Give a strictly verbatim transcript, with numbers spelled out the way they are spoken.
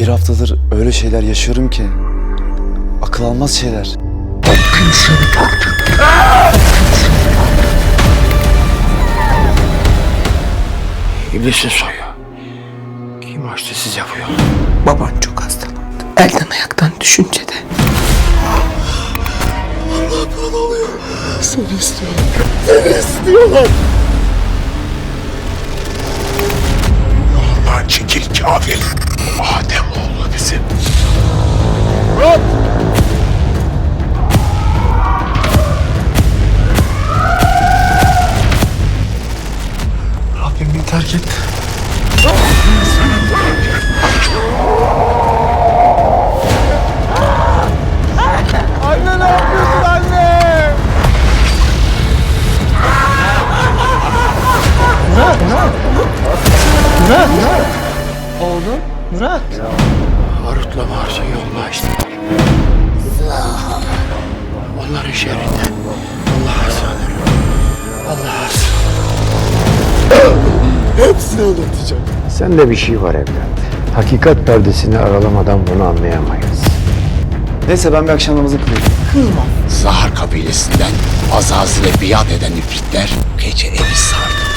Bir haftadır öyle şeyler yaşıyorum ki akıl almaz şeyler. İblisin soyu. Kim açtı size bu yolu? Baban çok hastalandı. Elden ayaktan düşünce de. Seni istiyorum. Seni istiyorlar. Yolundan çekil kafir. Adem oğlu bizim. Murat! Rabbim beni terk etti. Anne ne yapıyorsun anne? Murat, Murat. Murat, Murat. Oğlum, Murat. Harut'la Mars'ı yolunu açtılar. Onların şerrinden Allah'a sığınırım. Allah'a sığınırım. Hepsini anlatacağım. Sende bir şey var evlat. Hakikat perdesini aralamadan bunu anlayamayız. Neyse ben bir akşam namazı kılayım. Zahar kabilesinden Azazil'e biat eden ifritler gece evi sardı.